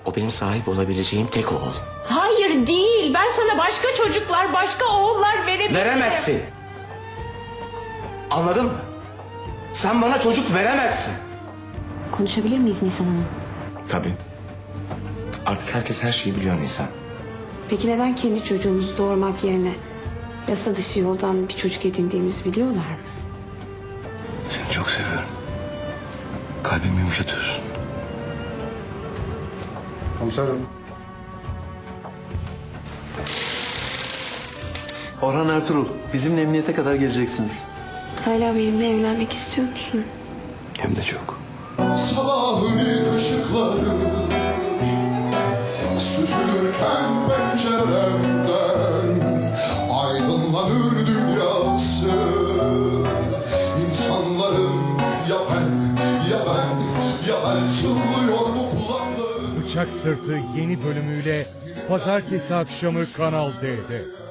O benim sahip olabileceğim tek oğul. Hayır değil. Ben sana başka çocuklar, başka oğullar verebilirim. Veremezsin. Anladın mı? Sen bana çocuk veremezsin. Konuşabilir miyiz Nisan Hanım? Tabii. Artık herkes her şeyi biliyor Nisan. Peki neden kendi çocuğumuzu doğurmak yerine yasa dışı yoldan bir çocuk edindiğimizi biliyorlar mı? Seni çok seviyorum. Kalbimi yumuşatıyorsun. Komiserim. Orhan Ertuğrul, bizimle emniyete kadar geleceksiniz. Hala benimle evlenmek istiyor musun? Hem de çok. Sabahın ilk ışıkları süzülürken penceremden aydınlanır dünyası. İnsanların ya ben çınlıyor bu kulakları. Bıçak Sırtı yeni bölümüyle pazartesi akşamı Kanal D'de.